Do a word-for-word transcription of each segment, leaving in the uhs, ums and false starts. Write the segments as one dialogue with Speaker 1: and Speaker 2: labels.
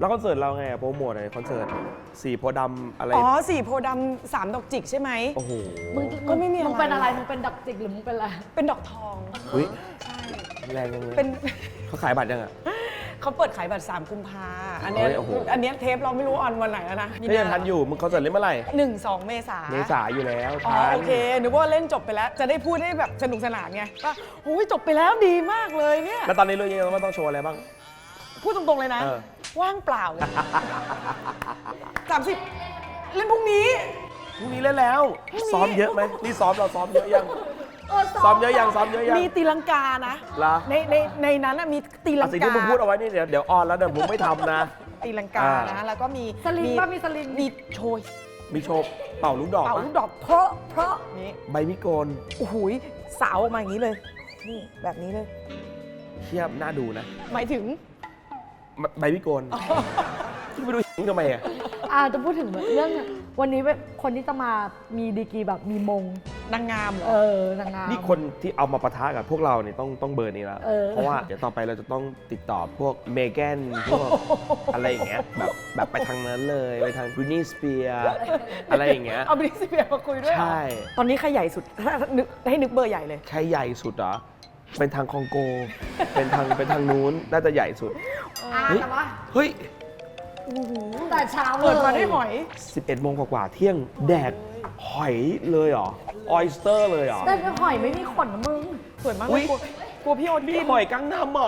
Speaker 1: แล้วคอนเสิร์ตเราไงโปรโมทอะไรคอนเสิร์ตสีโพดำอะไร
Speaker 2: อ๋อสีโพดำสามดอกจิกใช่ไหม
Speaker 1: โอ้โห
Speaker 3: มึง
Speaker 2: ก็ไม่มีอะไร
Speaker 3: มึงเป็นอะไรมึงเป็นดอกจิกหรือมึงเป็นอะไร
Speaker 2: เป็นดอกทอง
Speaker 1: อุ้ย
Speaker 2: ใช่
Speaker 1: แรงยังไง
Speaker 2: เป็น
Speaker 1: เขาขายบัตรยังอ่ะ
Speaker 2: เขาเปิดขายบัตรสามกุมภาอันเนี้ย
Speaker 1: เฮ้ยโอ้โห
Speaker 2: อันเนี้ยเทปเราไม่รู้ออนวันไหนแล้วนะ
Speaker 1: ก็ยังทันอยู่มึงคอนเสิร์ตเล่นเมื่อไหร่
Speaker 2: หนึ่งสองเมษา
Speaker 1: เมษาอยู่แล้ว
Speaker 2: อ๋อ
Speaker 1: ทัน
Speaker 2: โอเคนึกว่าเล่นจบไปแล้ว จะได้พูดให้แบบสนุกสนานไงว่าโอ้ยจบไปแล้วดีมากเลยเนี่ย
Speaker 1: แล้วตอนนี้เรื่องนี้เราต้องโชว์อะไรบ้าง
Speaker 2: พูดตรงๆเลยนะ
Speaker 1: เออ
Speaker 2: ว่างเปล่าสามสิบเล่นพรุ่งนี้
Speaker 1: พรุ่งนี้เล่นแล้ว
Speaker 2: พรุ่งนี้
Speaker 1: ซ้อมเยอะไหมนี่ซ้อมเราซ้อมเยอะยัง
Speaker 3: เออ
Speaker 1: ซ้อมเยอะยังซ้อมเยอะยัง
Speaker 2: มีตีลังกานะ
Speaker 1: เหรอ
Speaker 2: ในในในนั้นนะมีตีลั
Speaker 1: อ่ะ
Speaker 2: ง
Speaker 1: สิ่ง
Speaker 2: กา
Speaker 1: ที่มึงพูดเอาไว้นี่เดี๋ยวเดี๋ยวออนแล้วเดี๋ยวมึงไม่ทำนะ
Speaker 2: ตีลังกา
Speaker 1: อ่า
Speaker 2: นะแล้วก็มี
Speaker 3: สลิงป่ะมีสลิง
Speaker 2: มีโชย
Speaker 1: มีโชว์เป่าลูกดอก
Speaker 2: เป่า
Speaker 1: ปะ
Speaker 2: ลูกดอกเพราะเพราะนี้
Speaker 1: ใบมิโกน
Speaker 2: โอ้โหสาวออกมาอย่างนี้เลยนี่แบบนี้เลย
Speaker 1: เทียบน่าดูนะ
Speaker 2: หมายถึง
Speaker 1: ใบมิโกนที่ไปดูมึงทำไมอ่ะ
Speaker 3: อ่าจะพูดถึงเรื่องวันนี้คนที่จะมามีดีกรีแบบมีมง
Speaker 2: นางงามเหรอ
Speaker 3: เออนางงาม
Speaker 1: นี่คนที่เอามาปะทะกับพวกเราเนี่ยต้องต้องเบอร์นี้แล้ว
Speaker 3: เออ
Speaker 1: เพราะว่าเดี๋ยวต่อไปเราจะต้องติดต่อพวกเมแกนพวกอะไรอย่างเงี้ยแบบแบบไปทางนั้นเลยไปทางบรินีสเปียอะไรอย่างเงี้ย
Speaker 2: เอาบริสเปียร์มาคุยด้วยเหรอ
Speaker 1: ใช่
Speaker 2: ตอนนี้ใครใหญ่สุดถ้านึกให้นึกเบอร์ใหญ่เลย
Speaker 1: ใครใหญ่สุดเหรอเป็นทางคองโก เป็นทางเป็นทางนู้นน่าจะใหญ่สุด
Speaker 3: อ่า
Speaker 1: เฮ้ย
Speaker 3: แต่ว่า
Speaker 1: เฮ้ย
Speaker 3: แต่เช้าเลย
Speaker 2: เปิดมาได้หอย
Speaker 1: สิบเอ็ดโมงกว่าๆเที่ยงแดกหอยเลยเหรอออยสเตอร์เลยเหรอ
Speaker 3: แต่หอยไม่มีขนนะมึง
Speaker 2: สวยมาก
Speaker 1: อุ๊
Speaker 2: เลย ยกลัวกลัวพี่โอ๊ต
Speaker 1: นี่
Speaker 2: กิน
Speaker 1: หอยกังนำเหรอ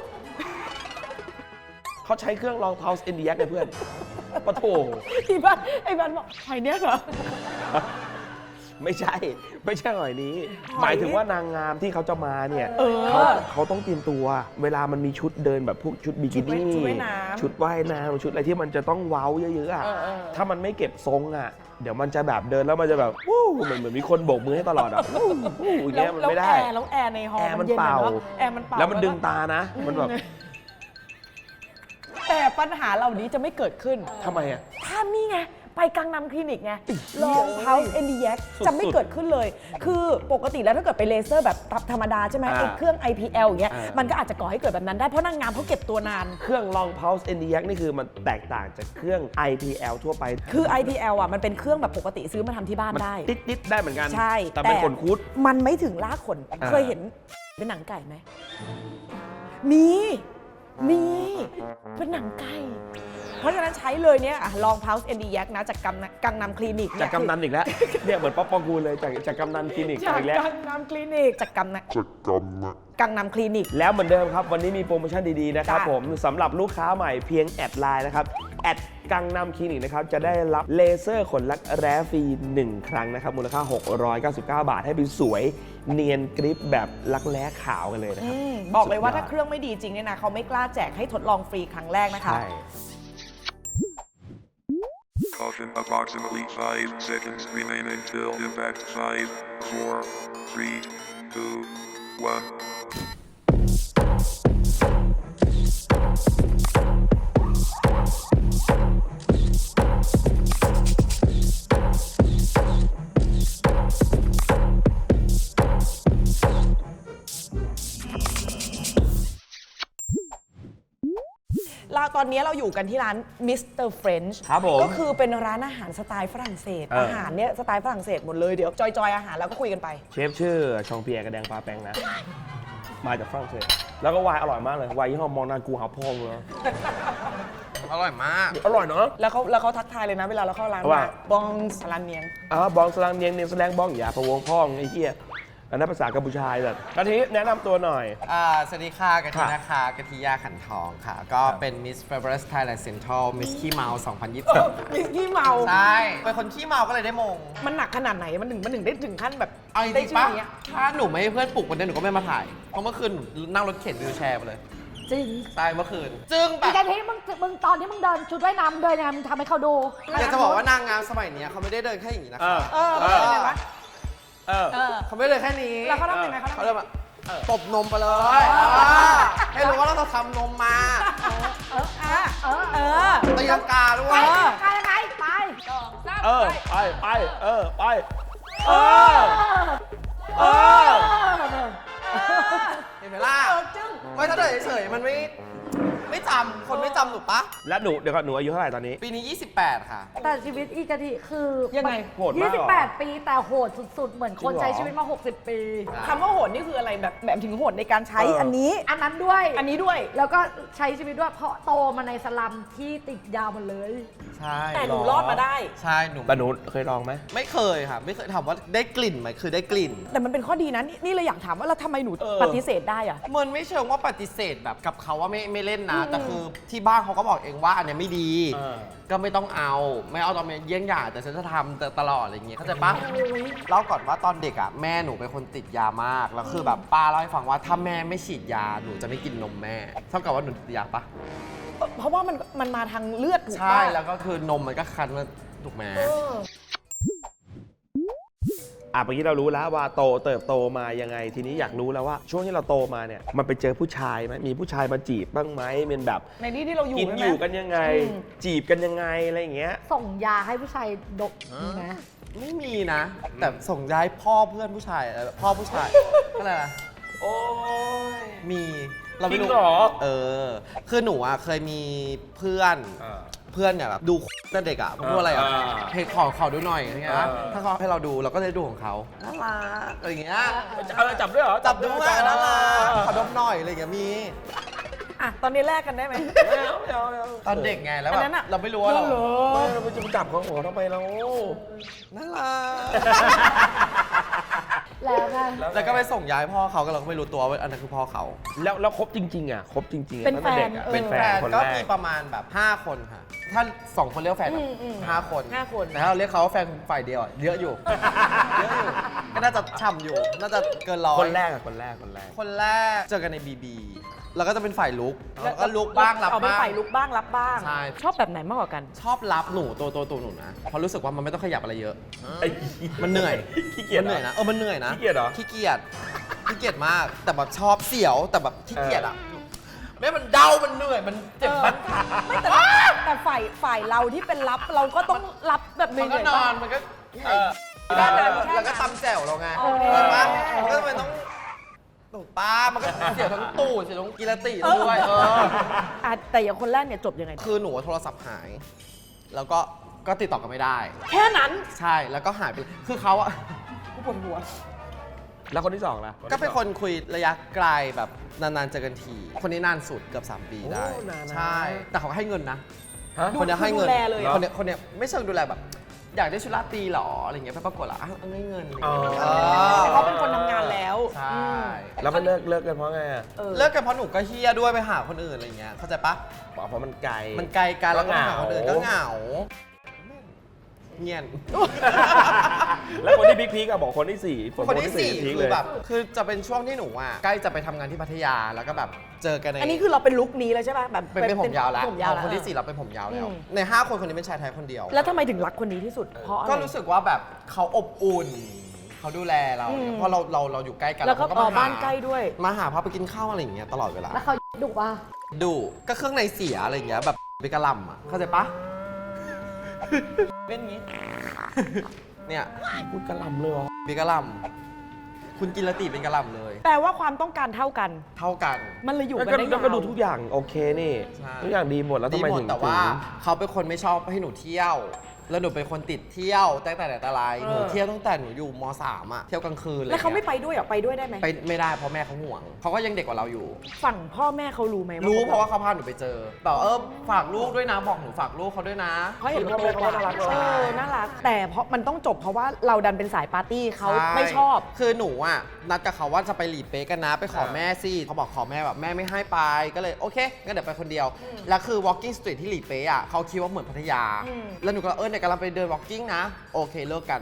Speaker 1: เขาใช้เครื่องลองเท้าเอ็นดีแอคไงเพื่อนปะโถ
Speaker 2: ที่บ้านไอ้บ้านบอกหอยเนี้ยเหรอ
Speaker 1: ไม่ใช่ ไม่ใช่หอยนี้
Speaker 2: หอย
Speaker 1: หมายถึงว่านางงามที่เขาจะมาเนี่ย
Speaker 2: เออ
Speaker 1: เขาเขาต้องเตรียมตัว เวลามันมีชุดเดินแบบพวกชุดบิกินี่
Speaker 2: ชุดว่ายน้ำ
Speaker 1: ชุดว่ายน้ำชุดอะไรที่มันจะต้องเว้าเยอะๆอ่ะ
Speaker 2: เออเออ
Speaker 1: ถ้ามันไม่เก็บทรงอ่ะ เดี๋ยวมันจะแบบเดินแล้วมันจะแบบวู้เหมือนเหมือนมีคนโบกมือให้ตลอดอ่ะวู้วู้อย่าง
Speaker 2: แล้
Speaker 1: เงี้
Speaker 2: วย
Speaker 1: มัน
Speaker 2: แล้ว
Speaker 1: ไม่
Speaker 2: แอ
Speaker 1: ได้
Speaker 2: ร์แล้วแอร์ในฮอล
Speaker 1: แอร์มัน
Speaker 2: เย็นอะ
Speaker 1: เป่า
Speaker 2: เนาะแอร์มันเป่า
Speaker 1: แล้วมันดึง
Speaker 2: ก็
Speaker 1: ตานะ มันแบบ
Speaker 2: แต่ปัญหาเหล่านี้จะไม่เกิดขึ้น
Speaker 1: ทำไมอ่ะ
Speaker 2: ถ้านี่ไง ไปกังนำคลินิกไง ลองเพาส์เอ็นดีแยก
Speaker 1: สุดๆ
Speaker 2: จะไม่เกิดขึ้นเลย คือปกติแล้วถ้าเกิดไปเลเซอร์แบบธรรมดาใช่ไหม
Speaker 1: อ่า
Speaker 2: ไอ้เครื่อง ไอ พี แอล อย่างเงี้ย
Speaker 1: อ่ามั
Speaker 2: มันก็อาจจะก่อให้เกิดแบบนั้นได้ เพราะนางงามเขาเก็บตัวนาน
Speaker 1: เครื่องลอง pulse เอ็น ดี เอ็กซ์ นี่คือมันแตกต่างจากเครื่อง ไอ พี แอล ทั่วไป
Speaker 2: คือ ไอ พี แอล อ่ะมันเป็นเครื่องแบบปกติซื้อมาทำที่บ้าน
Speaker 1: มัน
Speaker 2: ได้
Speaker 1: ติดติดๆได้เหมือนกัน
Speaker 2: ใช่
Speaker 1: แต่เป็นขนคุด
Speaker 2: มันไม่ถึงลากขน
Speaker 1: อ่า
Speaker 2: เคยเห็นเป็นหนังไก่ไหม มี มี เป็นหนังไก่ เพราะฉะนั้นใช้เลยเนี่ยอะลอง Pulse เอ็น ดี แยก นะจากกังนกังนำคลินิก
Speaker 1: จากกำนันอีกแล้ว เนี่ยเหมือนป๊อปปองกูลเลยจากจากกำนันคลินิก
Speaker 2: จาก
Speaker 1: อีกแล้ว
Speaker 2: กังนำคลินิกจากกังน
Speaker 4: จากกรรมนะ
Speaker 2: กังนำคลินิก
Speaker 1: แล้วเหมือนเดิมครับ วันนี้มีโปรโมชั่นดีๆนะครับ
Speaker 2: จ้ะ
Speaker 1: ผมสำหรับลูกค้าใหม่เพียงแอดไลน์นะครับแอดกังนำคลินิกนะครับจะได้รับเลเซอร์ขนลักแร้ฟรีหนึ่งครั้งนะครับมูลค่าหกร้อยเก้าสิบเก้าบาทให้เป็นสวยเนียนกริปแบบลักแร้ขาวกันเลยนะครับ
Speaker 2: อืมบอกเลยว่า
Speaker 1: สุดยอด
Speaker 2: ถ้าเครื่องไม่ดีจริงเนี่ยนะเขาไม่กล้าแจกให้ทดลองฟรีครั้งแรกนะคะ
Speaker 1: ใช่
Speaker 4: Caution, approximately five seconds remain until impact. five, four, three, two, one.
Speaker 2: เราตอนนี้เราอยู่กันที่ร้าน มิสเตอร์ French
Speaker 1: ครับผม
Speaker 2: ก็คือเป็นร้านอาหารสไตล์ฝรั่งเศส
Speaker 1: เอออ
Speaker 2: อาหารเนี่ยสไตล์ฝรั่งเศสหมดเลย เดี๋ยวจอยๆ อาหารแล้วก็คุยกันไป
Speaker 1: เชฟชื่อชองเปียร์กระแดงปลาแปงนะ มาจากฝรั่งเศสแล้วก็ไวน์อร่อยมากเลยไวน์ยี่ห้อมองนากูหาพ่องเลย
Speaker 5: อร่อยมาก
Speaker 1: อร่อยเนาะ
Speaker 2: แล้วเขาแล้วเขาทักทายเลยนะเวลาเราเข้าร้าน
Speaker 1: ว่า
Speaker 2: บองสลันเนียง
Speaker 1: อ่าบองสลังเนียงเนียงแสลงบองอย่าพะวงพ่องไอ้เหี้ยอันนั้นภาษากัมพูชาแบบกะทิแนะนำตัวหน่อย
Speaker 5: อ่า สวัสดีค่ะกะทิ
Speaker 1: ค่ะ
Speaker 5: นะคะกะทิยาขันทองค่ะ ก็เป็น Miss Fabulous Thailand Central Miss ขี้เมา สองพันยี่สิบสอง
Speaker 2: มิสกี้เมา
Speaker 5: ใช่ เป็นคนขี้เมาก็เลยได้มง
Speaker 2: มันหนักขนาดไหนมันถึงมันถึงได้ถึงขั้นแบบ
Speaker 5: เอาจ
Speaker 2: ได้
Speaker 5: ริง
Speaker 2: ชื่
Speaker 5: ๆ
Speaker 2: อ
Speaker 5: ปะ
Speaker 2: อย่างเงี้ย
Speaker 5: ถ้าหนูไม่ให้เพื่อนปลุกวันนี้หนูก็ไม่มาถ่าย เพราะเมื่อคืนหนูนั่งรถเข็นวิวแชร์ไปเลย
Speaker 3: จริง
Speaker 5: ใช่เมื่อคืน จึงแบ
Speaker 3: อี
Speaker 5: บ
Speaker 3: กาทีมึงมึงตอนที่มึงเดินชุดว่ายน้ำเดินยังไงมึงทำให้เขาดู
Speaker 5: อยากจะบอกว่านางงามสมัยเนี้ยเขาไม่ได้เดินแค่อย่างนี้นะ
Speaker 1: เอ
Speaker 5: คะ
Speaker 1: อ
Speaker 2: เออมันเป็นยังไงวะ
Speaker 1: เออ
Speaker 2: เออ
Speaker 5: เขาไม่ได้เดินแค่นี้
Speaker 2: แล้วเขาทำยังไงเขาทำ
Speaker 5: เขา
Speaker 2: ยังไง
Speaker 5: เดินแบบตบนมไปเลยอ่าให้รู้ว่าเราทำนมมา
Speaker 2: เอออ่ะ
Speaker 3: เออ
Speaker 2: เออ
Speaker 5: ตีลังกาด้ว
Speaker 3: ไป
Speaker 5: ย
Speaker 3: ไปยังไงไป
Speaker 1: เออ ไปไปเออ ไป เออ เออ
Speaker 5: เห็นไหมล่ะ
Speaker 2: เออจึ้ง
Speaker 5: ไม่ถ้าเดินเฉยๆมันไม่ไม่จำคนไม่จำหนูปะ
Speaker 1: แล้วหนูเดี๋ยวก่อนหนูอายุเท่าไหร่ตอนนี้
Speaker 5: ปีนี้ ยี่สิบแปด ค่ะ
Speaker 3: แต่ชีวิตอีกะทิคือ
Speaker 2: ยังไง
Speaker 1: โหดมากเหรอ
Speaker 3: ยี่สิบแปด ปีแต่โหดสุดๆ เหมือนคน
Speaker 1: จริงเหรอ
Speaker 3: ใช้ชีวิตมา หกสิบ ปี
Speaker 2: คำว่าโหดนี่คืออะไรแบบแบบถึงโหดในการใช้
Speaker 1: เอออั
Speaker 2: อันนี้
Speaker 3: อันนั้นด้วย
Speaker 2: อันนี้ด้วย
Speaker 3: แล้วก็ใช้ชีวิตด้วยเพราะโตมาในสลัมที่ติดยาหมดเลย
Speaker 5: ใช่
Speaker 2: แต่หนูรอดมาได้
Speaker 5: ใช่หนู
Speaker 1: แต่หนูเคยลองไหม
Speaker 5: ไม่เคยค่ะ ไม่เคยถามว่าได้กลิ่นไหมคือได้กลิ่น
Speaker 2: แต่มันเป็นข้อดีนะนี่นี่เลยอยากถามว่าแล้วทำไมหนู
Speaker 1: เออ
Speaker 2: ปฏิเสธได้อะ
Speaker 5: มันไม่เชิงว่าปฏิเสธแบบกับเขาว่าไม่ไม่เล่นนะ แต่คือที่บ้านเขาก็บอกเองว่าอันเนี้ยไม่ดี
Speaker 1: เออ
Speaker 5: ก็ไม่ต้องเอา ไม่เอาตอนเป็นเยี่ยงอย่างแต่ฉันจะทำตลอดอะไรอย่างเงี้ยเข้าใจปะเล่าก่อนว่าตอนเด็กอ่ะแม่หนูเป็นคนติดยามาก แล้วคือแบบป้าเล่าให้ฟังว่าถ้าแม่ไม่ฉีดยาหนูจะไม่กินนมแม่เท่ากับว่าหนูติดยาปะ
Speaker 2: เพราะว่ามันมันมาทางเลือดถูก
Speaker 5: ใช่
Speaker 2: ปะ
Speaker 5: แล้วก็คือนมมันก็คันมาถูกไหม
Speaker 2: เออ
Speaker 1: อ่ะเมื่อกี้เรารู้แล้วว่าโตเติบโตมายังไง ทีนี้อยากรู้แล้วว่าช่วงที่เราโตมาเนี่ยมันไปเจอผู้ชายไหมมีผู้ชายมาจีบบ้างไหมเป็นแบบ
Speaker 2: ในที่ที่เราอยู่
Speaker 1: กิน
Speaker 2: ใช่
Speaker 1: อ
Speaker 2: ไหม
Speaker 1: ยู่กันยังไง
Speaker 2: อืม
Speaker 1: จีบกันยังไงอะไรอย่างเงี้ย
Speaker 3: ส่งยาให้ผู้ชายดกมีไหม
Speaker 5: ไม่มีนะ แต่ส่งย้ายพ่อเพื่อนผู้ชายอะไรแบบพ่อผู้ชาย อะไรนะ
Speaker 1: โอ้ย
Speaker 5: มีเราไม่
Speaker 1: จริ
Speaker 5: รู้
Speaker 1: งเหรอ
Speaker 5: เออ คือหนูอ่ะเคยมีเพื่อนเพื่อนเนี่ยแบบดูตั้งเด็กอ่ะพูดอะไรอ่ะ
Speaker 1: อ่า
Speaker 5: เพจขอขอดูหน่อยอย่างเงี้ย
Speaker 1: อ่า
Speaker 5: ถ้าเขาให้เราดูเราก็จะดูของเขาน่ารักอะไรอย่างเงี้ย
Speaker 1: เอาจับด้วยเหรอ
Speaker 5: จับดู
Speaker 1: วย
Speaker 5: อ่ะน่ารักขอดมหน่อยอะไรอย่างเงี้ยมี
Speaker 2: อ่ะตอนนี้แลกกันได้ไหม
Speaker 1: ไม่เอาไม่เอาไม่เอา
Speaker 5: ตอนเด็กไงแล้ว
Speaker 2: อั
Speaker 5: แบ
Speaker 2: นนั้
Speaker 5: บ
Speaker 2: นอะ
Speaker 5: เราไม่รู้ว่าเรา
Speaker 2: เหรอ
Speaker 1: ไม่เราไปจะไปจับของหัวทำไมเรา
Speaker 5: น่ารัก
Speaker 3: แล้วไง
Speaker 5: แล้วก็ไปส่งย้ายพ่อเขาก็เราก็ไม่รู้ตัวว่าอันนั้นคือพ่อเขา
Speaker 1: แล้วแล้วคบจริง ๆอ่ะคบจริงๆอะ
Speaker 2: เป็น
Speaker 1: ตั้งต่ด็กอะ
Speaker 2: แฟน
Speaker 1: เป็นแฟ
Speaker 5: แฟ
Speaker 1: น
Speaker 5: น
Speaker 1: คน
Speaker 5: ก็
Speaker 1: แร
Speaker 5: มี
Speaker 1: ก
Speaker 5: ประมาณแบบห้าคนค่ะ ถ้าสองคนเรียกว่าแฟน
Speaker 2: อืมอืม
Speaker 5: ห้าคน
Speaker 2: ห้าคน
Speaker 5: แต่ถ้าเราเรียกเขาว่าแฟนฝ่ายเดียวอะเยอะอยู่ เยอะอยู่ ก็น่าจะฉ่ำอยู่ น่าจะเกินร้อย
Speaker 1: คนแรกอะคนแรกคนแรก
Speaker 5: คนแรกเจอกันในบีบีแล้วก็จะเป็นฝ่ายลุกแล้วก็ลุกบ้างรับ
Speaker 2: เอาเป็น
Speaker 5: บ้าง
Speaker 2: ฝ่ายลุกบ้างรับบ้าง
Speaker 5: ใช่
Speaker 2: ชอบแบบไหนมากกว่ากัน
Speaker 5: ชอบรับหนูตัวตัวตัวหนูนะเพราะรู้สึกว่ามันไม่ต้องขยับอะไรเยอะ
Speaker 1: ไอ้
Speaker 5: มันเหนื่อย
Speaker 1: ขี้เกียจ
Speaker 5: มันเหนื่อยนะ เออ มันเหนื่อยนะ
Speaker 1: ขี้เกียจเหรอ
Speaker 5: ขี้เกียจ ขี้เกียจมาก แต่แบบชอบเสียว แต่แบบขี้เกียจอ่ะแม่มันเดา มันเหนื่อย มันเจ็บมัน
Speaker 2: ไม่แต่แต่ฝ่ายฝ่ายเราที่เป็นรับเราก็ต้องรับแบบเห
Speaker 5: มันก็
Speaker 2: นื่อย
Speaker 5: น
Speaker 2: ๆ
Speaker 5: อน
Speaker 2: บ้าง
Speaker 5: มันก็
Speaker 1: เออ
Speaker 5: ด้าน
Speaker 2: เอ
Speaker 5: นั้
Speaker 2: อน แค่นั้น
Speaker 5: แล้วก็ตำแจ่วเราไง
Speaker 2: โอเค
Speaker 5: ใช่ปะมันก็มันต้องตูดป้ามันก็เสียวทั้งตูดเสียวทั้งกีรติด้วยเออ
Speaker 2: อ่ะแต่อย่างคนแรกเนี่ยจบยังไง
Speaker 5: คือหนูโทรศัพท์หาย แล้วก็ก็ติดต่อกันไม่ได้
Speaker 2: แค่นั้น
Speaker 5: ใช่ แล้วก็หายไปเลยคือเขาอะ
Speaker 2: กูปวดหัว
Speaker 1: แล้วคนที่สองล่ะ
Speaker 5: ก็เป็นคนคุยระยะไกลแบบนานๆเจอกันที คนนี้นานสุดเกือบสามปีได้
Speaker 1: โอ้นานนะ
Speaker 5: ใช่ แต่เขาให้เงินนะ
Speaker 1: ฮะ
Speaker 5: คนเนี้ยให้เงิน
Speaker 2: ดูแลเลยเหรอ
Speaker 5: คนเนี้ยคนเนี้ยไม่เชิงดูแลแบบ อยากได้ชุดราตรีเหรออะไรเงี้ยไปปรากฏละอ้าวเอาเงินอะไร
Speaker 1: อ๋อ
Speaker 5: เงี้ย
Speaker 2: เขาเป็นคนทำงานแล้ว
Speaker 5: ใช่
Speaker 1: แล้วมันเลิกเลิกกันเพราะไงอะ
Speaker 2: เออ
Speaker 5: เลิกกันเพราะหนูก็เฮี้ยด้วยไปหาคนอื่นอะไรเงี้ยเข้าใจปะ
Speaker 1: บอกเพราะมันไกล
Speaker 5: มันไกลกันแล้วก็
Speaker 1: ก็
Speaker 5: ไป
Speaker 1: เหงา
Speaker 5: หาคนอื่นก็เหงาเงียน
Speaker 1: แล้วคนที่พีคๆอะบอกคนที่สี่ผม
Speaker 5: คนที่สี่
Speaker 1: พีค
Speaker 5: คื
Speaker 1: เล
Speaker 5: อย แบบคือจะเป็นช่วงที่หนูอ่ะใกล้จะไปทำงานที่พัทยาแล้วก็แบบเจอกันใน
Speaker 2: อันนี้คือเราเป็นลุคนี้เลยใช่ป่ะแบบ
Speaker 5: เป็นเป็นผมยาวแล้ว
Speaker 2: ผมยาวแล้ว
Speaker 5: คนที่สี่เราเป็นผมยาวแล้ว
Speaker 2: อืม
Speaker 5: ในห้าคนคนนี้เป็นชายไทยคนเดียว
Speaker 2: แล้วทำไมถึงรักคนนี้ที่สุด เพราะอะไร
Speaker 5: ก็รู้สึกว่าแบบเขาอบอุ่น เขาดูแลเรา
Speaker 2: อืม
Speaker 5: เพราะเราเราเราอยู่ใกล้กัน
Speaker 2: แล้วก็
Speaker 5: เข
Speaker 2: อ๋อ
Speaker 5: มห
Speaker 2: บ้านใกล้ด้วย
Speaker 5: มาหาพาไปกินข้าวอะไรอย่างเงี้ยตลอดเวลา
Speaker 3: แล้วเขาดุว่า
Speaker 5: ดูก็เครื่องในเสียอะไรอย่างเงี้ยแบบไปกระหลำอ่ะเข้าใจปะ เป็นงี้ เนี่ย
Speaker 1: พูดกระหลำเลยเหรอ
Speaker 5: เป็นกระหลำคุณกินละติเป็นกระหลำเลย
Speaker 2: แปลว่าความต้องการเท่ากัน
Speaker 5: เท่ากัน
Speaker 2: มันเลยอยู่
Speaker 1: แล้ว
Speaker 2: กัน
Speaker 1: ก็
Speaker 2: ได้
Speaker 1: แล้วก็
Speaker 2: ยาว
Speaker 1: ดูทุกอย่างโอเคนี่
Speaker 5: ใช่
Speaker 1: ทุกอย่างดีหมดแล้วทำ
Speaker 5: ดี
Speaker 1: ไม
Speaker 5: หมด
Speaker 1: ถึง
Speaker 5: แต่ว่า
Speaker 1: ถึง
Speaker 5: เขาเป็นคนไม่ชอบให้หนูเที่ยว แล้วหนูเป็นคนติดเที่ยวตั้งแต่ไหนแต่ไรหนูเที่ยวตั้งแต่หนูอยู่มสามอะเที่ยวกลางคืนเลย
Speaker 2: แล้วเขาไม่ไปด้วยเหรอไปด้วยได้ไหม
Speaker 5: ไปไม่ได้เพราะแม่เขาห่วงเขาก็ยังเด็กกว่าเราอยู่
Speaker 2: ฝั่งพ่อแม่เขารู้ไหม
Speaker 5: รู้เพราะว่าเขาพาหนูไปเจอแบบเออฝากลูกด้วยนะบอกหนูฝากลูกเขาด้วยนะ
Speaker 2: เขาเห็นว่าโตกว่า
Speaker 1: น่ารัก
Speaker 2: เออน่ารัก แต่เพราะมันต้องจบเพราะว่าเราดันเป็นสายปาร์ตี้เขา
Speaker 5: ใช่
Speaker 2: ไม่ชอบ
Speaker 5: คือหนูอ่ะนัดกับเขาว่าจะไปหลีเป๊ะกันนะ ไปขอแม่สิเขาบอกขอแม่แบบแม่ไม่ให้ไปก็เลยโอเคงั้นเดี๋ยวไปคนเดียว แล้วคือ walking street ที่หลีเป๊ะอ่ะเขาคิดว่าเหมือนพัทยา
Speaker 2: อืม
Speaker 5: แล้วหนูก็เออเนี่ยกำลังไปเดิน walking นะ โอเคเลิกกัน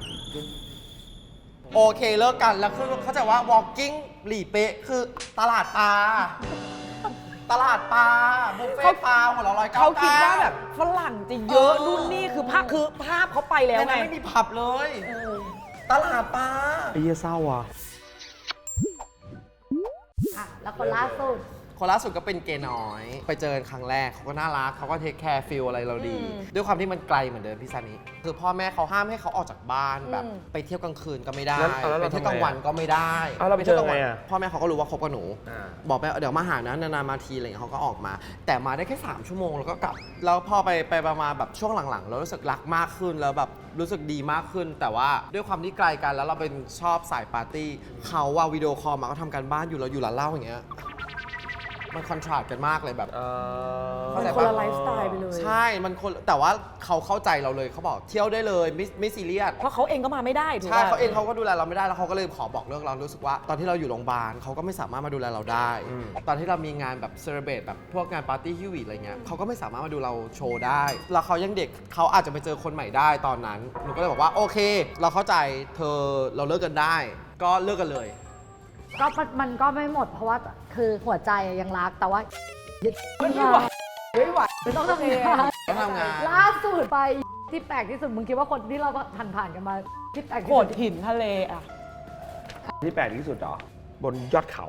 Speaker 5: โอเคเลิกกันแล้วคือเขาใจว่า walking หลีเป๊ะคือตลาดปลาตลาดปลาบุฟเฟ่ต์ปลาหัวละร้อยเก้า
Speaker 2: เขาคิดว่าแบบฝรั่งจะเยอะนู่นนี่คือภาพคือภาพเขาไปแล้ว
Speaker 5: ใน
Speaker 2: ไง
Speaker 5: นั้นไม่มีผับเลย ตลาดปลา
Speaker 1: ไอ้เหี้ยเศร้าอ่ะ
Speaker 3: อ่ะ แล้วคนล่าสุด
Speaker 5: คนล่าสุดก็เป็นเกย์น้อย ไปเจอกันครั้งแรกเขาก็น่ารักเขาก็เทคแคร์ฟิลอะไรเราดี ด้วยความที่มันไกลเหมือนเดิมพี่ซานิคือพ่อแม่เขาห้ามให้เขาออกจากบ้านแบบไปเที่ยวกลางคืนก็ไม่ได้
Speaker 1: แล้วแล้ว
Speaker 5: ไป
Speaker 1: เรา
Speaker 5: เที่ยว
Speaker 1: ทำไง
Speaker 5: กลางวันก็ไม่ได้
Speaker 1: อ้าวเราไปเจอไงอะ
Speaker 5: พ่อแม่เขาก็รู้ว่าคบกับหนู
Speaker 1: อ่า
Speaker 5: บอกไปเดี๋ยวมาหานะนานๆมาทีอะไรอย่างเงี้ยเขาก็ออกมา แต่มาได้แค่สามชั่วโมงแล้วก็กลับแล้วพอไปไปประมาณแบบช่วงหลังๆเรารู้สึกรักมากขึ้นแล้วแบบรู้สึกดีมากขึ้น แต่ว่าด้วยความที่ไกลกันแล้วเราเป็นชอบสายปาร์ตี้เขาว่าวิดีโอคอลมาก็ทำการบ้านอยู่เราอยู่ร้านเหล้าอย่างเงี้ยมันคอนทราสต์กันมากเลยแบบ
Speaker 1: เออ
Speaker 2: มันคนละไลฟ์สไตล์ไปเลย
Speaker 5: ใช่ มันคนแต่ว่าเขาเข้าใจเราเลยเขาบอกเที่ยวได้เลยไม่ไม่ซีเรียส
Speaker 2: เพราะเขาเองก็มาไม่ได้ถูก
Speaker 5: ใช่
Speaker 2: ป่ะ
Speaker 5: เขาเองเขาก็ดูแลเราไม่ได้แล้วเขาก็เลยขอบอกเลิกเรารู้สึกว่าตอนที่เราอยู่โรงพยาบาลเขาก็ไม่สามารถมาดูแลเราได้
Speaker 1: อืม
Speaker 5: ตอนที่เรามีงานแบบเซเลบรตแบบพวกงานปาร์ตี้ฮิววีอะไรเงี้ยเขาก็ไม่สามารถมาดูเราโชว์ได้ แล้วเขายังเด็กเขาอาจจะไปเจอคนใหม่ได้ตอนนั้นหนูก็เลยบอกว่าโอเค เราเข้าใจเธอเราเลิกกันได้ ก็เลิกกันเลย
Speaker 3: ก็มันมันก็ไม่หมดเพราะว่าคือหัวใจยังรักแต่ว่า
Speaker 2: ไม่ไหวไม่ไหว
Speaker 3: ไม่ต้องทำงาน
Speaker 5: ต้องทำงาน
Speaker 3: ล่าสุดไปที่แปลกที่สุดมึงคิดว่าคนที่เราผ่านผ่านๆกันมาที่แปลกที่
Speaker 2: โข
Speaker 3: สุ
Speaker 2: ด
Speaker 3: ด
Speaker 2: หินทะเลอ่ะ
Speaker 1: ที่แปลกที่สุดเหรอบนยอดเขา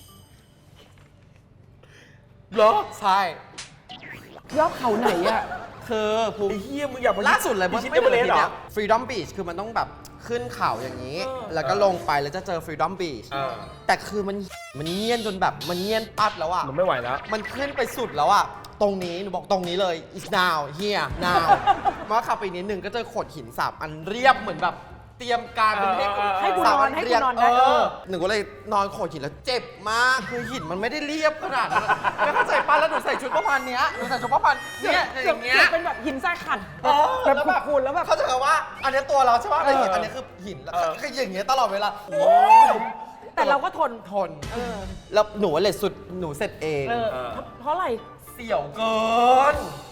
Speaker 1: เหรอ
Speaker 5: ใช่
Speaker 2: ยอดเขาไหนอ่ะ
Speaker 5: คือภูมิ
Speaker 1: ไอ้เหี้ยมึงอยากไป
Speaker 5: ล่าสุดเลย
Speaker 1: พิชิต
Speaker 5: ไม่
Speaker 1: เอเวอเรสต์เหรอ
Speaker 5: ฟรีดอมบีชคือมันต้องแบบขึ้นเขาอย่างนี้ แล้วก็ลงไปแล้วจะเจอฟรีดอมบีช
Speaker 1: เออ
Speaker 5: แต่คือมันมันเงียนจนแบบมันเงียนปัดแล้วอ่ะ
Speaker 1: มันไม่ไหวแล้ว
Speaker 5: มันขึ้นไปสุดแล้วอ่ะ ตรงนี้หนูบอกตรงนี้เลย is now here now มาขับไปนิดนึงก็เจอโขดหินสามอันเรียบเหมือนแบบเตรียมการเป็นให้
Speaker 1: เออเออ
Speaker 2: ให้กูนอนให้กูนอน
Speaker 5: เอ
Speaker 2: ได้เอ
Speaker 5: อ
Speaker 2: อ
Speaker 5: หนูก็เลยนอนโขดหินแล้วเจ็บมากคือหินมันไม่ได้เรียบขนาดนั้นแล้วเข้าใจป้ะแล้วหนูใส่ชุดประมาณเนี้ยหนูใส่ชุดประมาณเนี้ยอย่างเงี้ย
Speaker 2: เป็นแบบหินทรายขัด
Speaker 5: เออ
Speaker 2: แบบ
Speaker 5: ล้ว
Speaker 2: คูนๆแล้วแบบ
Speaker 5: เขาใจะว่า อันนี้ตัวเราใช่ป่ะ
Speaker 2: เออ
Speaker 5: แต่หินอันนี้คือหินแล้ว
Speaker 1: เออ
Speaker 5: คืออย่างเงี้ยตลอดเวลาโอ้
Speaker 2: แต่เราก็ทน
Speaker 5: ทนแล้วหนูเลยสุดหนูเสร็จเอง
Speaker 2: เออเพราะอะไร
Speaker 5: เสี่ยวเกิน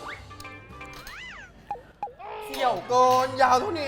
Speaker 5: เสี่ยวเกิน ยาวเท่านี้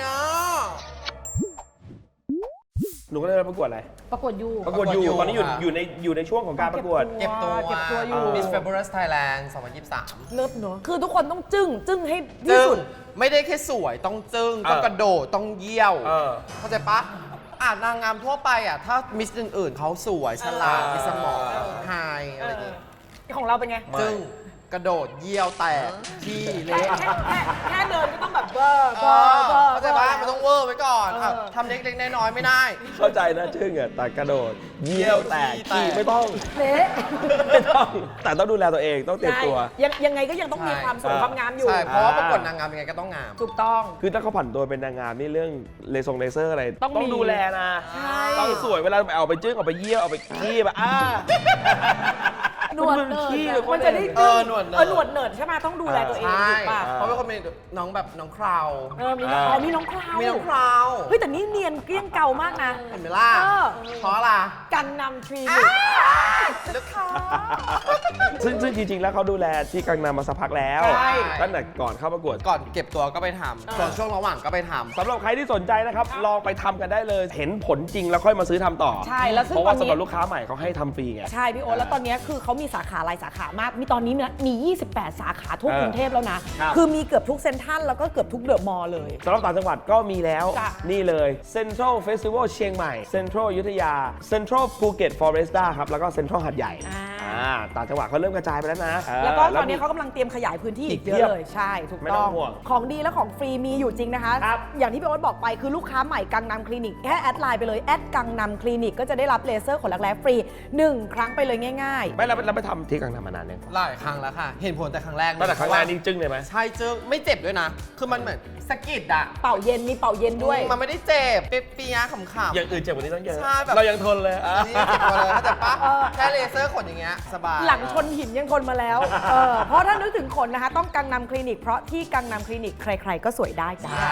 Speaker 1: หนูก็เลยประกวดอะไร
Speaker 3: ประกวดยู
Speaker 1: ประกวดอยู่
Speaker 5: ประกวดอยู่
Speaker 1: ตอนนี้อยู่
Speaker 5: ค่ะ
Speaker 1: อยู่ในอยู่ในช่วงของการประกวด
Speaker 5: เก็บตัว
Speaker 2: เก็บตัวอยู่
Speaker 5: Miss Fabulous Thailand สองพันยี่สิบสาม
Speaker 2: เลิศเนอะคือทุกคนต้องจึ้ง จึ้งให้ที่
Speaker 5: จึ้ง
Speaker 2: สุด
Speaker 5: ไม่ได้แค่สวยต้องจึ้ง ต้อง
Speaker 1: เออ
Speaker 5: กระโดด ต้องเยี่ยว
Speaker 1: เออ
Speaker 5: เข้าใจปะอ่านนางงามทั่วไปอ่ะ ถ้ามิสอื่นๆเขาสวย ฉลาด
Speaker 1: เออ
Speaker 5: มีสมอง
Speaker 1: เออ
Speaker 5: ไฮอะไรอย่างงี้
Speaker 2: ของเราเป็นไง
Speaker 1: ไม่
Speaker 5: จึ้งกระโดดเยี่ยวแตกขี้
Speaker 2: แค่
Speaker 5: เละ
Speaker 2: แค่แค่แค่เดินก็ต้องแบบเบอร์
Speaker 5: เอ
Speaker 2: เบอ
Speaker 5: อ
Speaker 2: ร์เบอร์
Speaker 5: เข้าใจปะมันต้องเวอร์ไว้ก่อน
Speaker 2: เออ
Speaker 5: อ่ะทำเล็กๆน้อยๆไม่ได้
Speaker 1: เข้าใจนะชึ่งอะแต่กระโดดเยี่ยวแตก
Speaker 5: ขี้แตก
Speaker 1: ขี้ไม่ต้อง
Speaker 3: เละ
Speaker 1: ไม่ต้อง แต่ต้องดูแลตัวเองต้องเตรียม
Speaker 2: ใช่
Speaker 1: ตัว
Speaker 2: ยังยังไงก็ยังต้องมีความสวยความงามอยู่
Speaker 5: ใช่ เพราะว่า
Speaker 1: อ่า
Speaker 5: ประกวดนางงามยังไงก็ต้องงาม
Speaker 2: ถูกต้อง
Speaker 1: คือถ้าเขาผันตัวเป็นนางงามนี่เรื่องเลซงเลเซอร์อะไร
Speaker 2: ต้องมี
Speaker 1: ดูแลนะ
Speaker 2: ใช่
Speaker 1: ต้องสวยเวลาเอาไปจึ้งเอาไปเยี่ยวเอาไปขี้แบบอ่า
Speaker 3: หนวดเนิร์ด
Speaker 1: ขี้
Speaker 3: อะ
Speaker 1: แบบ
Speaker 2: มันจะได้
Speaker 5: เออหนวดเนิร์ด
Speaker 2: เออหนวดเนิร์ดใช่ไหมต้องดูแลตัวเอง
Speaker 5: ใช่
Speaker 2: ถูกป่ะ
Speaker 5: เพราะเป็นคนมีน้องแบบน้องคราว
Speaker 2: เออมีน้องอ๋อมีน้องคราว
Speaker 5: มีน้องคราว
Speaker 2: เฮ้ยแต่นี่เนียนเกลี้ยงเก่ามากนะ
Speaker 5: เห็นไหมล่ะ
Speaker 2: เออ
Speaker 5: เพราะอะไร
Speaker 2: กันนำทรี
Speaker 5: ลูกค้า
Speaker 1: ซึ่งซึ่งจริงๆ แล้วเขาดูแลที่กังนำมาสักพักแล้ว
Speaker 2: ใช่
Speaker 1: ตั้งแต่ก่อนเข้าประกวด
Speaker 5: ก่อนเก็บตัวก็ไปทำส่วนช่วงระหว่างก็ไปทำ
Speaker 1: สำหรับใครที่สนใจนะครับ ลองไปทำกันได้เลย เห็นผลจริงแล้วค่อยมาซื้อทำต่อ
Speaker 2: ใช่แล้วซึ่ง
Speaker 1: เพราะว่า
Speaker 2: ตอนนี้
Speaker 1: สำหรับลูกค้าใหม่เขาให้ทำฟรีไง
Speaker 2: ใช่พี่โอ๊ตแล้วตอนนี้คือเขามีสาขาหลายสาขามาก มีตอนนี้เนี่ยมี ยี่สิบแปด สาขาทั่ว
Speaker 1: เออก
Speaker 2: รุงเทพแล้วนะ
Speaker 1: ครับ
Speaker 2: คือมีเกือบทุกเซ็นทรัลแล้วก็เกือบทุกเดอะมอลล์เลย
Speaker 1: สำหรับต่างจังหวัดก็มีแล้ว
Speaker 2: จ้ะ
Speaker 1: นี่เลย Central Festival เชียงใหม่ Central อยุธยา Central ภูเก็ต Foresta ครับ แล้วก็ Central หัดใหญ่
Speaker 2: อ่า
Speaker 1: อ่าต่างจังหวัดเขาเริ่มกระจายไปแล้วนะเออ
Speaker 2: แล้วก็ตอนนี้
Speaker 1: มี
Speaker 2: เขากำลังเตรียมขยายพื้นที่อีก
Speaker 1: อีก
Speaker 2: เย
Speaker 1: เพียบ
Speaker 2: อะเลย ใช่ ถูก
Speaker 1: ไม่ต้
Speaker 2: ต้
Speaker 1: อ
Speaker 2: อง ง
Speaker 1: ห่วง
Speaker 2: ของดีและของฟรีมีอยู่จริงนะคะ
Speaker 1: ครับ
Speaker 2: อย่างที่พี่โอ๊ตบอกไปคือลูกค้าใหม่กังนำคลินิกแค่แอดไลน์ไปเลยแอดกังนำคลินิกก็จะได้รับเลเซอร์ขนรักแร้ฟรีหนึ่งครั้งไปเลยง่าย
Speaker 1: ไม่เราเราไปทำที่กังนำมานานยัง
Speaker 5: หลายครั้งแล้วค่ะ เห็นผลแต่ครั้งแรก
Speaker 1: ตั้งแต่ครั้งแรกนี่จึ้งเลยไหม
Speaker 5: ใช่จึ้งไม่เจ็บด้วยนะ คือมันเหมือนสะกิดอะ
Speaker 2: ๆ เป่าเย็นมีเป่าเย็นด้วย
Speaker 5: มันไม่ได้เจ็บเปียๆขำๆ
Speaker 1: อย่างอื่นเจ็บกว่านี้ต้องเยอะ
Speaker 5: ใช่แบบ
Speaker 1: เรายังทนเลยอ่ะ
Speaker 5: นี่เจ็บกว่าเลยเข้าใจปะ
Speaker 2: เออ
Speaker 5: แค่เลเซอร์ขนอย่างเงี้ยสบาย
Speaker 2: หลังชนหินยังทนมาแล้วเออเพราะถ้านึกถึงขนนะคะ ต้องกังนำคลินิกเพราะที่กังนำคลินิกใครๆก็สวยได้จ้า
Speaker 5: ใช่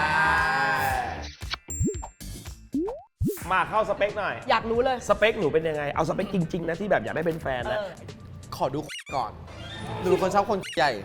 Speaker 1: มาเข้าสเปคหน่อย
Speaker 2: อยากรู้เลย
Speaker 1: สเปคหนูเป็นยังไง เอาสเปคจริง ๆ นะที่แบบอยากได้เป็นแฟนนะ
Speaker 2: เออ
Speaker 5: ขอดูก่อนหนูเป็นคนชอบคนใหญ่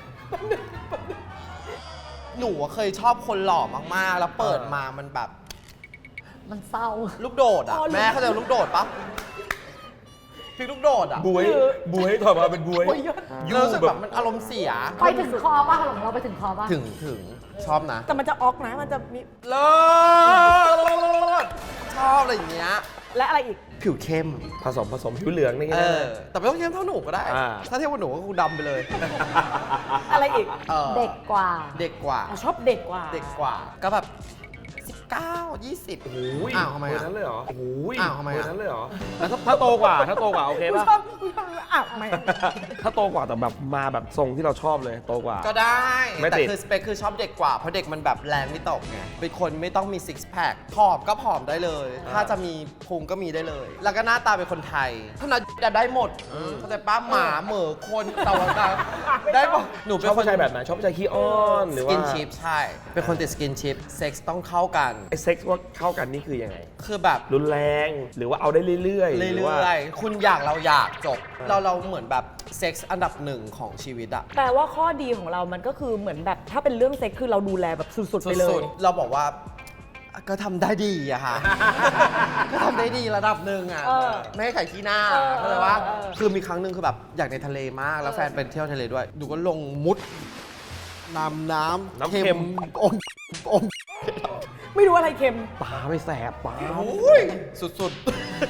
Speaker 5: หนูอะเคยชอบคนหล่อมากๆ แล้วเปิดมามันแบบ
Speaker 3: มันเศร้า
Speaker 5: ลูกโดดอ่ะ
Speaker 2: อ๋อลูก
Speaker 5: แม่เข้าใจลูกโดดปะพี่ลูกโดดอ่ะ
Speaker 1: บวย บวยถอยมาเป็นบวย
Speaker 2: โอ้ยยอด
Speaker 1: ยู่
Speaker 5: รู้สึกแบบมันอารมณ์เสีย
Speaker 3: ไปถึงคอป่ะของเราไปถึงคอป่ะ
Speaker 5: ถึงถึงชอบนะ
Speaker 2: แต่มันจะออกนะมันจะมี
Speaker 5: เลิศชอบอะไรอย่างเงี้ย
Speaker 2: และอะไรอีก
Speaker 5: ผิวเข้ม
Speaker 1: ผสมผสมผิวเหลืองนี่
Speaker 5: เอ
Speaker 1: ก็ได้
Speaker 5: อ แต่ไม่ต้องเข้มเท่าหนูก็ได้
Speaker 1: อ่า
Speaker 5: ถ้าเทียบกับหนูก็คงดำไปเลย
Speaker 2: อะไรอีก
Speaker 5: ออ
Speaker 3: เด็กกว่า
Speaker 5: เด็กกว่า
Speaker 2: อ๋อชอบเด็กกว่า
Speaker 5: เด็กกว่า ก็แบบสิบเก้า ยี่สิบ
Speaker 1: โอ้ย
Speaker 5: อ้าวทำไม
Speaker 1: เบอ
Speaker 5: อะ
Speaker 1: ร์นั้นเลยเหรอโอ้ย
Speaker 5: อ้าวทำไมอะ
Speaker 1: เบอร์นั้นเลยเหรอแล้วถ้าถ้าโตกว่าถ้าโตกว่าโอเค
Speaker 2: ผู้
Speaker 1: ป่ะ
Speaker 2: ชอบผู้ชอบอ้าวไม่
Speaker 1: ถ้าโตกว่าแต่แบบมาแบบทรงที่เราชอบเลยโตกว่า
Speaker 5: ก็ได้
Speaker 1: ไม่
Speaker 5: แต่
Speaker 1: ติด
Speaker 5: คือสเปคคือชอบเด็กกว่า เพราะเด็กมันแบบแรงไม่ตกไง เป็นคนไม่ต้องมีซิกแพคผอมก็ผอมได้เลย ถ้าจะมีพุงก็มีได้เลย แล้วก็หน้าตาเป็นคนไทยเท่านั้นจะได้หมดเข้าใจป้าหมาเหมือคนเต่าต่างได้หมดหนู
Speaker 1: ช
Speaker 5: เป็น
Speaker 1: อบ
Speaker 5: คน
Speaker 1: ผู้ชายแบบไหนชอบผู้ชายขี้อ้อนหรือ
Speaker 5: ส
Speaker 1: ว่า
Speaker 5: กินชิพใช่ เป็นคนติดสกินชิพเซ็กซ์ต้องเข้ากัน
Speaker 1: ไอ้เซ็กซ์ว่าเข้ากันนี่คือยังไง
Speaker 5: คือแบบ
Speaker 1: รุนแรงหรือว่าเอาได้เรื่อยๆห
Speaker 5: เรื่
Speaker 1: รือว่า
Speaker 5: อยๆ คุณอยากเราอยากจบ เราเราเหมือนแบบเซ็กซ์อันดับหนึ่งของชีวิตอะ
Speaker 2: แปลว่าข้อดีของเรามันก็คือเหมือนแบบถ้าเป็นเรื่องเซ็กคือเราดูแลแบบสุดๆไปเล
Speaker 5: สุ
Speaker 2: ย
Speaker 5: ดๆเราบอกว่าก็ทำได้ดีอะค่ะ ก็ทำได้ดีระดับหนึ่งอะ
Speaker 2: เออ
Speaker 5: ไม่ให้ไข่ขี้หน้า
Speaker 2: เออ
Speaker 5: เข้าใจว่า
Speaker 2: เออ
Speaker 5: คือมีครั้งหนึ่งคือแบบอยากในทะเลมาก แล้วแฟนเป็นเที่ยวทะเลด้วย ดูก็ลงมุดน้ำน้ำ
Speaker 1: น้ำเค็ม
Speaker 5: อมอม
Speaker 2: ไม่รู้อะไรเค็ม
Speaker 1: ตาไม่แสบตา
Speaker 5: โอ้ยสุด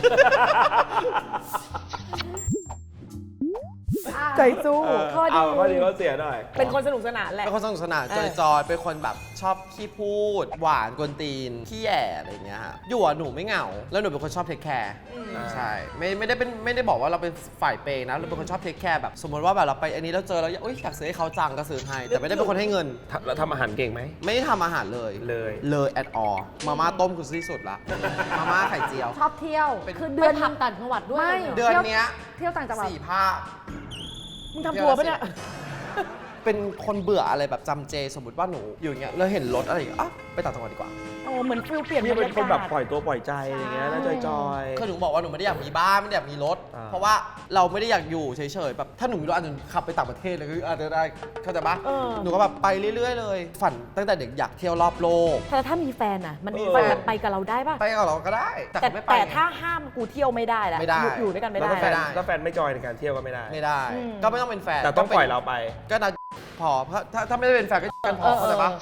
Speaker 2: ใจสู้
Speaker 1: เออ
Speaker 2: ข้อดี
Speaker 1: เอาข้อดีข้อเสียหน่อย
Speaker 2: เป็นคนสนุกสนานแห
Speaker 5: ๆ
Speaker 2: ละ
Speaker 5: เป็นคนสนุกสนาน
Speaker 2: เออ
Speaker 5: จอยๆเป็นคนแบบชอบขี้พูด หวานกวนตีนขี้แย่อะไรอย่างเงี้ยฮะอยู่อะหนูไม่เหงา แล้วหนูเป็นคนชอบเทคแคร์ใช่ไม่ไม่ได้เป็นไม่ได้บอกว่าเราเป็นฝ่ายเปย์นะเราเป็นคนชอบเทคแคร์แบบสมมติว่าแบบเราไปอันนี้แล้วเจอแล้วอุ๊ยอยากซื้อให้เขาจังก็ซื้อให้แต่ไม่ได้เป็นคนให้เงิน
Speaker 1: ทำแล้วทำอาหารเก่งไหม
Speaker 5: ไม่ได้ทำอาหารเลย
Speaker 1: เลย
Speaker 5: เลย at all มาม่าต้มคือที่สุดละมาม่าไข่เจียว
Speaker 3: ชอบเที่ยว
Speaker 5: เป็น
Speaker 3: คือ
Speaker 2: เดื
Speaker 3: เดื
Speaker 2: อ
Speaker 3: อน น
Speaker 2: ทำต่างจังหวัดด้วย
Speaker 3: ไม่
Speaker 5: เดือนเนี้ย
Speaker 3: เที่ยวต่างจังหวัด
Speaker 5: สี่ภาค
Speaker 2: มึงทำทัวร์ปะเนี่ย
Speaker 5: เป็นคนเบื่ออะไรแบบจำเจสมมติว่าหนูอยู่อย่างเงี้ยแล้วเห็นรถอะไรอย่างเงี้ยอ่ะไปต่างจังหวัดดีกว่า
Speaker 2: โอ้เหมือนฟิลเปลี่ยน
Speaker 1: พี่เป็นคนแบบปล่
Speaker 2: อย
Speaker 1: อยตัวปล่อยใจอะไรเงี้ยน่าจอยๆ
Speaker 5: คือหนูบอกว่าหนูไม่ได้อยากมีบ้านไม่ได้อยากมีรถ
Speaker 1: อ่า
Speaker 5: เพราะว่าเราไม่ได้อยากอยู่เฉยๆแบบถ้าหนูมีรถอาจจะขับไปต่างประเทศเลยก็อาจจะได้เข้าใจปะ
Speaker 2: เออ
Speaker 5: หนูก็แบบไปเรื่อย ๆ เลย ฝันตั้งแต่เด็กอยากเที่ยวรอบโลก
Speaker 2: แต่ถ้ามีแฟนอ่ะ มัน
Speaker 1: เออ
Speaker 2: แฟนแบบไปกับเราได้ป่ะ
Speaker 5: ไปกับเราก็ได้ แต่
Speaker 2: แต่
Speaker 5: เขาไม่ไป
Speaker 2: แต่
Speaker 5: ไง
Speaker 2: ถ้าห้ามกูเที่ยวไม่ได้ละ
Speaker 5: ไม่ได้
Speaker 2: อยู่อยู่ด้วยกันไม่
Speaker 1: แล้ว
Speaker 2: ได้
Speaker 1: ถ้าแฟน
Speaker 5: ไม่ได้
Speaker 1: ถ้าแฟนไม่จอยในการเที่ยวก็ไม่ได้
Speaker 5: ไม่ได้
Speaker 2: อืม
Speaker 5: ก็ไม่ต้องเป็นแฟน
Speaker 1: แต่ต้อง
Speaker 5: ก็
Speaker 1: ปล่อยเราไป
Speaker 5: ก็นะพอเพราะถ้าถ้าไม่ได้เป็นแฟนก็กันพอเข้าใจปะ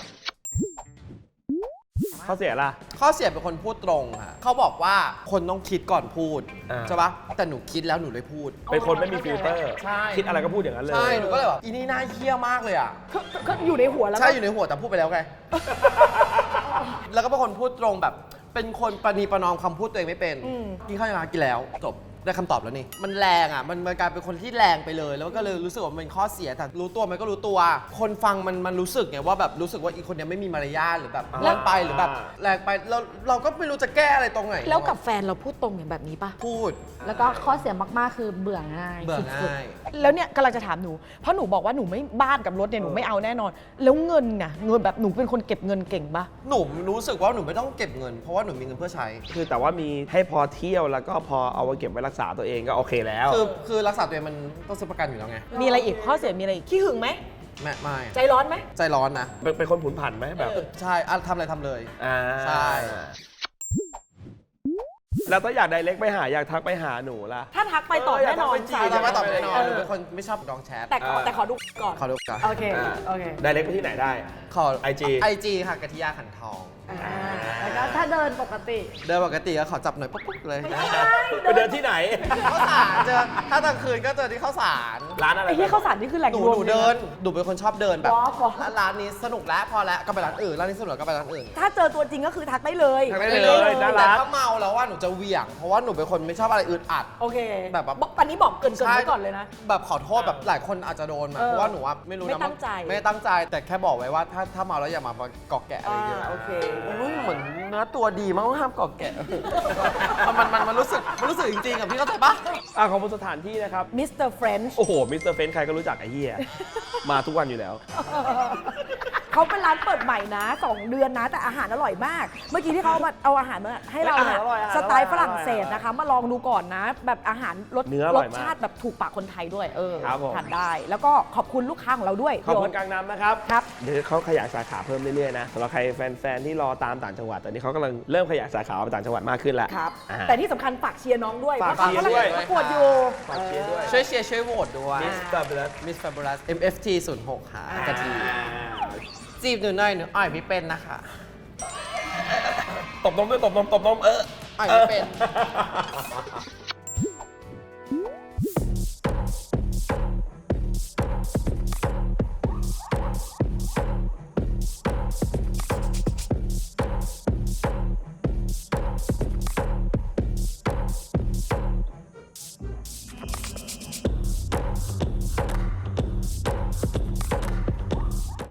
Speaker 1: ข้อเสียล่ะ
Speaker 5: ข้อเสียเป็นคนพูดตรงค่ะเขาบอกว่าคนต้องคิดก่อนพูด
Speaker 1: อ่า
Speaker 5: ใช่ปะแต่หนูคิดแล้วหนูเลยพูด
Speaker 1: เป็นคนไม่มีฟิลเตอร์
Speaker 5: ใช่
Speaker 1: คิดอะไรก็พูดอย่างนั้นเลย
Speaker 5: ใช่ หนูก็เลยแบบอีนี่น่าเคี้ยมากเลยอ่ะ
Speaker 2: ก็ก็ก็อยู่ในหัวแล้วก็
Speaker 5: ใช่อยู่ในหัวแต่พูดไปแล้วไง แล้วก็เป็นคนพูดตรงแบบ เป็นคนประนีประนอมคำพูดตัวเองไม่เป็น
Speaker 2: อืม
Speaker 5: กินข้าวยังไงกินแล้วจบได้คำตอบแล้วนี่ มันแรงอ่ะ มันมันกลายเป็นคนที่แรงไปเลย แล้วก็เลยรู้สึกว่ามันเป็นข้อเสียแต่รู้ตัวมันก็รู้ตัว คนฟังมันมันรู้สึกไงว่าแบบรู้สึกว่าอีกคนเนี้ยไม่มีมารยาทหรือแบบ
Speaker 1: อ่า
Speaker 5: เล่นไปหรือแบบแรงไปเราเราก็ไม่รู้จะแก้อะไรตรงไหน
Speaker 2: แล้วกับแฟนเราพูดตรงอย่างแบบนี้ป่ะ
Speaker 5: พูด
Speaker 3: แล้วก็ข้อเสียมากๆคือเบื่อง่าย
Speaker 5: เบื่อ
Speaker 3: สุด
Speaker 5: ง่าย
Speaker 2: แล้วเนี่ยกำลังจะถามหนู เพราะหนูบอกว่าหนูไม่บ้านกับรถเนี่ยหนูไม่เอาแน่นอน แล้วเงินน่ะเงินแบบหนูเป็นคนเก็บเงินเก่งป่ะ
Speaker 5: หนูรู้สึกว่าหนูไม่ต้องเก็บเงิน เพราะว่าหนูมีเงินเพื่อใช้
Speaker 1: คือแต่ว่ามีให้พอเที่ยวแล้วก็พอเอาไว้เก็บไว้รักษาตัวเองก็โอเคแล้ว
Speaker 5: คือคือรักษาตัวเองมันต้องซื้อประกันอยู่แล้วไง
Speaker 2: มีอะไรอีกข้อเสียมีอะไรอีกขี้หึงไหม
Speaker 5: แม่ไม่
Speaker 2: ใจร้อนไหม
Speaker 5: ใจร้อนนะ
Speaker 1: เป็นเป็นคนผุนผันไหมแบบ
Speaker 5: ใช่อ่ะทำอะไรทำเลย
Speaker 1: อ่า
Speaker 5: ใช่
Speaker 1: แล้วถ้าอยากไดเรกไปหาอยากทักไปหาหนูล่ะ
Speaker 2: ถ้าทักไปตอบ
Speaker 1: เออ
Speaker 2: แน่นอน
Speaker 1: อยากทักไปจี
Speaker 5: ใช่
Speaker 1: บ
Speaker 5: จะไม่ตอบแน่นอน
Speaker 2: เออ
Speaker 5: หนูเป็นคนไม่ชอบดองแชท
Speaker 2: แต่ขอแต่ขอดูก่อน
Speaker 5: ขอดูก่อน
Speaker 2: โอเค โอเค
Speaker 1: ไดเรกไปที่ไหนได้
Speaker 5: ขอ
Speaker 1: ไอจี
Speaker 5: ไอจีค่ะกะทิยาขันทอง
Speaker 3: อ่าแล้วก็ถ้าเดินปกติ
Speaker 5: เดินปกติก็ขอจับหน่อยปุ๊บปุ๊บเลย
Speaker 1: ไปเดินที่ไหน
Speaker 5: ข้าวสารเจอถ้ากลางคืนก็เจอที่ข้าวสาร
Speaker 1: ร้านอะไร
Speaker 2: ไอ้ที่ข้าวสารนี่คือแหล่ง
Speaker 5: หนู
Speaker 2: รวม
Speaker 5: หนู
Speaker 2: ลยะ
Speaker 5: เดินหนูเป็นคนชอบเดินแบบ
Speaker 3: walk walk
Speaker 5: ร้านนี้สนุกแล้วพอแล้วก็ไปร้านอื่นร้านนี้สนุกแล้วก็ไปร้านอื่น
Speaker 2: ถ้าเจอตัวจริงก็คือทักได้เลย
Speaker 1: ทักได้เลยน่ารั
Speaker 5: แต่
Speaker 1: ก
Speaker 5: ถ้าเมาแล้วว่าหนูจะเหวี่ยง เพราะว่าหนูเป็นคนไม่ชอบอะไรอึดอัด
Speaker 2: โอเค
Speaker 5: แบบว่า
Speaker 2: บอกอันนี้บอกเกรินเกรินไว้ก่อนเลยนะ
Speaker 5: แบบขอโทษแบบหลายคนอาจจะโดนมา
Speaker 2: เออ
Speaker 5: เพราะว่าหนูว่าไม่รู้นะ
Speaker 2: ไม่ตั้งใจ
Speaker 5: ไม่ได้ตั้งใจแต่แค่บอกไว้ว่าถ้าถ้าเมาแล้วอย่ามาเกาะแกะอะไร
Speaker 2: อ่า
Speaker 5: เงี้ย
Speaker 2: โอเค
Speaker 5: โอ้ยเหมือนเนื้อตัวดีมากห้ามเกาะแกะ มันมันมันรู้สึกมันรู้สึกจริงๆอ่ะพี่เข้าใจปะ
Speaker 1: อ่ะขอบคุณสถานที่นะครับ
Speaker 2: มิสเตอร์เฟรนช์
Speaker 1: โอ้โห มิสเตอร์เฟนใครก็รู้จักไอ้เหี้ย มาทุกวันอยู่แล้ว
Speaker 2: เขาเป็นร้านเปิดใหม่นะสองเดือนนะ แต่อาหารอร่อยมาก เมื่อกี้ที่เขาเอามาเอาอาหารมาให้เราเนี่ย
Speaker 1: อาหารอร่อยอาหาร
Speaker 2: สไตล์
Speaker 1: อร่อย
Speaker 2: ฝรั่งเศสนะคะ มาลองดูก่อนนะ แบบอาหารรส
Speaker 1: เนื้ออ
Speaker 2: ร
Speaker 1: ร่อย
Speaker 2: ส
Speaker 1: มาก
Speaker 2: ชาติแบบถูกปากคนไทยด้วย เออ
Speaker 1: ครับผม
Speaker 2: ทานได้ แล้วก็ขอบคุณลูกค้าของเราด้วย
Speaker 1: ขอบคุณ
Speaker 2: พี่โ
Speaker 1: กลางน้ำนะครับ
Speaker 2: ครับ
Speaker 1: เดี๋ยวเขาขยายสาขาเพิ่มเรื่อยๆนะสำหรับใครแฟนๆที่รอตามต่างจังหวัดตอนนี้เขากำลังเริ่มขยายสาขาไปต่างจังหวัดมากขึ้นแล้ว
Speaker 2: ครับ
Speaker 1: อ่า
Speaker 2: แต่ที่สำคัญฝากเชียร์น้องด้วย
Speaker 1: ฝาก
Speaker 2: เพราะ
Speaker 1: เชียร์
Speaker 2: เขา
Speaker 1: ด้วย
Speaker 2: กำลังประกวดอยู่
Speaker 1: ฝากเชียร์ด้วย
Speaker 5: ช่วยเชียร์ช่วยโหวตด้วย
Speaker 1: มิสเตอร์เบล
Speaker 5: Miss Fabulous เอ็ม เอฟ ที ศูนย์หกค่ะกะทิจีบหนูหน่อยหนูอ่อยไม่เป็นนะคะ
Speaker 1: ตบนมด้วยตบนมตบนมเออ
Speaker 5: อ่อยไม่เป็น